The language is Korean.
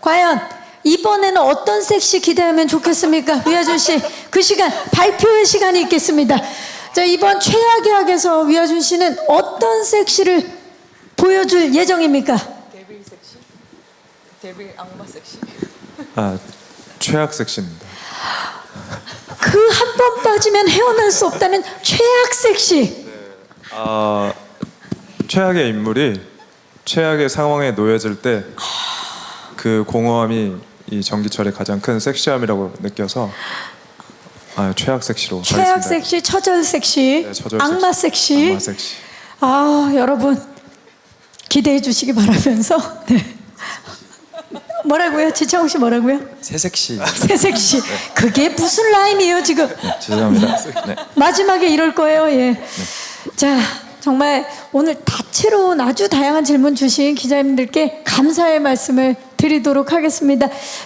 과연 이번에는 어떤 섹시 기대하면 좋겠습니까? 위아준 씨, 그 시간 발표의 시간이 있겠습니다. 자, 이번 최악의 학에서 위아준 씨는 어떤 섹시를 보여줄 예정입니까? 데빌 섹시? 데빌 악마 섹시? 아, 최악 섹시입니다. 그 한 번 빠지면 헤어날 수 없다는 최악 섹시. 최악의 인물이 최악의 상황에 놓여질 때 그 공허함이 이 전기철의 가장 큰 섹시함이라고 느껴서 최악 섹시로 최악 하겠습니다. 섹시, 처절 섹시, 네, 처절 악마 섹시. 악마 섹시. 여러분 기대해 주시기 바라면서 네. 뭐라고요? 지창욱 씨 뭐라고요? 새색시. 새 섹시. 그게 무슨 라임이에요 지금? 죄송합니다. 네. 마지막에 이럴 거예요. 예. 자, 정말 오늘 다채로운 아주 다양한 질문 주신 기자님들께 감사의 말씀을 드리도록 하겠습니다.